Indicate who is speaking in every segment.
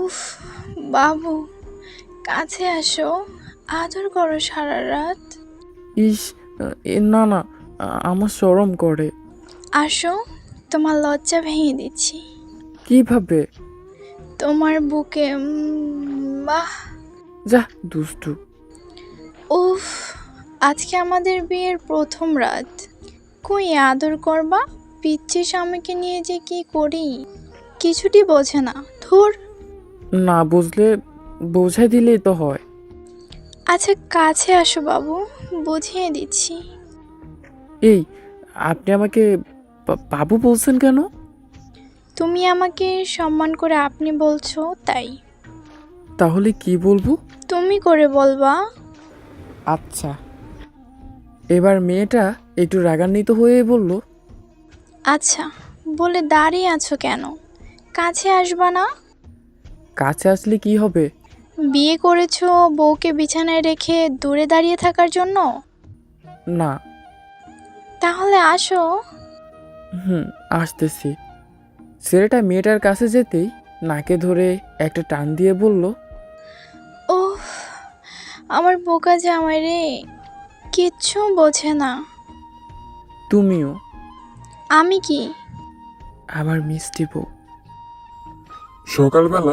Speaker 1: উফ, বাবু, কাছে আসো, আদর করো সারা রাত।
Speaker 2: ইস, না না, আমার শরম করে।
Speaker 1: আসো, তোমার লজ্জা ভেঙে দিচ্ছি।
Speaker 2: কিভাবে?
Speaker 1: তোমার বুকে বাহ।
Speaker 2: যা, দুষ্টু।
Speaker 1: উফ, আজকে আমাদের বিয়ের প্রথম রাত। কই আদর করবা? পিচ্ছি স্বামীকে নিয়ে যে কি করি কিছুটি বোঝে না। ধুর।
Speaker 2: না বুঝলে বোঝাই দিলেই তো হয়।
Speaker 1: আচ্ছা কাছে আসো বাবু, বুঝিয়ে দিচ্ছি।
Speaker 2: এই, আপনি আমাকে বাবু বলছেন কেন?
Speaker 1: তুমি আমাকে সম্মান করে আপনি বলছো তাই।
Speaker 2: তাহলে কি বলবো?
Speaker 1: তুমি করে বলবা।
Speaker 2: আচ্ছা। এবার মেয়েটা একটু রাগান্বিত হয়ে বলল,
Speaker 1: আচ্ছা, বলে দাঁড়িয়ে আছো কেন? কাছে আসবা না?
Speaker 2: কাছে আসলে কি হবে?
Speaker 1: বিয়ে করেছো বউকে বিছানায় রেখে দূরে দাঁড়িয়ে থাকার জন্য?
Speaker 2: না।
Speaker 1: তাহলে আসো।
Speaker 2: হুম, আসতেছি। ছেলেটা মেয়েটার কাছে যেতেই নাকে ধরে একটা টান দিয়ে বলল,
Speaker 1: ওহ, আমার বোকা জামাই রে, কিচ্ছু বোঝে না।
Speaker 2: তুমিও
Speaker 1: আমি কি?
Speaker 2: আমার মিষ্টি বউ।
Speaker 3: সকালবেলা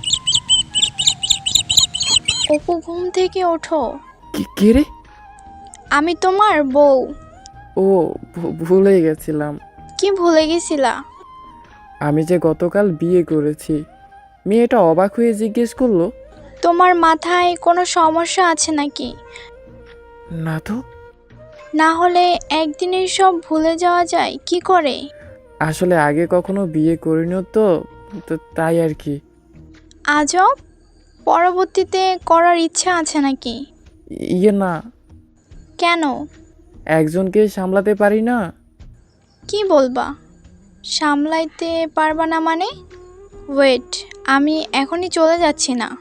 Speaker 1: অপু ঘুম থেকে ওঠো।
Speaker 2: কে রে?
Speaker 1: আমি তোমার বউ।
Speaker 2: ও, ভুলে গেছিলাম।
Speaker 1: কি ভুলে গেছিলা?
Speaker 2: আমি যে গতকাল বিয়ে করেছি। মেয়েটা অবাক হয়ে জিজ্ঞেস করলো,
Speaker 1: তোমার মাথায় কোনো সমস্যা আছে নাকি?
Speaker 2: না তো।
Speaker 1: না হলে একদিনেই সব ভুলে যাওয়া যায় কি করে?
Speaker 2: আসলে আগে কখনো বিয়ে করিনি তো, তো তাই আর কি।
Speaker 1: আজব, পরবর্তীতে করার ইচ্ছা আছে নাকি?
Speaker 2: ইয়ে না,
Speaker 1: কেন?
Speaker 2: একজনকে সামলাতে পারি না।
Speaker 1: কি বলবা? সামলাইতে পারবা না মানে? ওয়েট, আমি এখনই চলে যাচ্ছি না।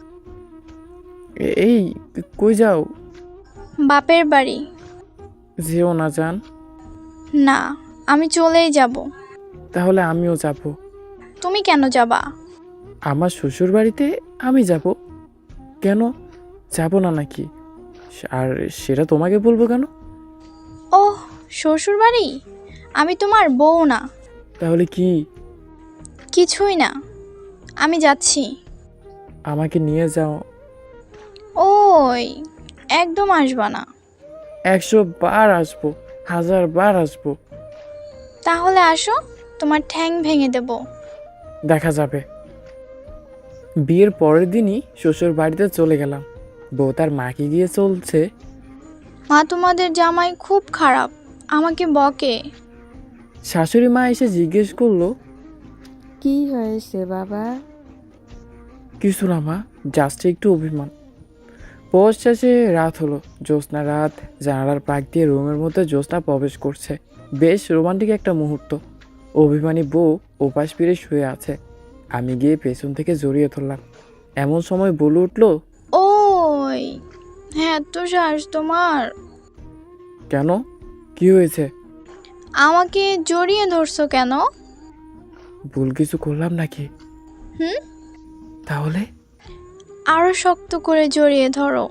Speaker 2: এই, কই যাও?
Speaker 1: বাপের বাড়ি।
Speaker 2: যেও না জান।
Speaker 1: না, আমি চলেই যাব।
Speaker 2: তাহলে আমিও যাব।
Speaker 1: তুমি কেন যাবা?
Speaker 2: আমার শ্বশুর বাড়িতে আমি যাব। কেন, যাব না নাকি? আর সেটা তোমাকে বলবো কেন?
Speaker 1: ওহ, শ্বশুর বাড়ি? আমি তোমার বউ না।
Speaker 2: তাহলে কি?
Speaker 1: কিছুই না, আমি যাচ্ছি।
Speaker 2: আমাকে নিয়ে যাও।
Speaker 1: ওই, একদম আসবা না।
Speaker 2: 100 বার আসবো, 1000 বার আসবো।
Speaker 1: তাহলে আসো, তোমার ঠ্যাং ভেঙে দেব।
Speaker 2: দেখা যাবে। বিয়ের পরের দিনই শ্বশুর বাড়িতে চলে গেলাম। বউ তার মাকে গিয়ে চলছে,
Speaker 1: মা তোমাদের জামাই খুব খারাপ, আমাকে বকে।
Speaker 2: শাশুড়ি মা এসে জিজ্ঞেস করলো,
Speaker 4: কি হয়েছে বাবা?
Speaker 2: কিছু না মা, জাস্ট একটু অভিমান। পৌষ শেষে রাত হলো, জ্যোৎস্না রাত। জানালার পাক দিয়ে রুমের মধ্যে জ্যোৎস্না প্রবেশ করছে। বেশ রোমান্টিক একটা মুহূর্ত। অভিমানী বউ ওপাশ ফিরে শুয়ে আছে। আমি গিয়ে পেছন থেকে জড়িয়ে ধরলাম। এমন সময় বলে উঠলো,
Speaker 1: ওই, হ্যাঁ তো শ্বাস তোমার।
Speaker 2: কেন, কি হয়েছে?
Speaker 1: আমাকে জড়িয়ে ধরছো কেন?
Speaker 2: ভুল কিছু করলাম নাকি?
Speaker 1: হুম,
Speaker 2: তাহলে
Speaker 1: আরো শক্ত করে জড়িয়ে ধরো।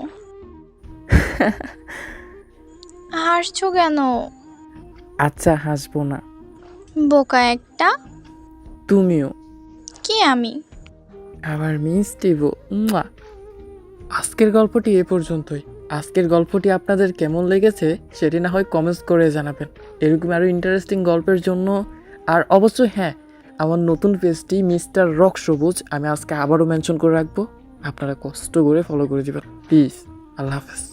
Speaker 1: হাসছো কেন?
Speaker 2: আচ্ছা, হাসবো না।
Speaker 1: বোকা একটা।
Speaker 2: তুমিও
Speaker 1: কি আমি?
Speaker 2: আবার মিষ্টি বউ। মুয়া। আজকের গল্পটি এ পর্যন্তই। আজকের গল্পটি আপনাদের কেমন লেগেছে সেটি না হয় কমেন্টস করে জানাবেন। এরকম আরও ইন্টারেস্টিং গল্পের জন্য। আর অবশ্যই হ্যাঁ, আমার নতুন পেজটি মিস্টার রক সবুজ আমি আজকে আবারও মেনশন করে রাখবো। আপনারা কষ্ট করে ফলো করে দেবেন প্লিজ। আল্লাহ হাফেজ।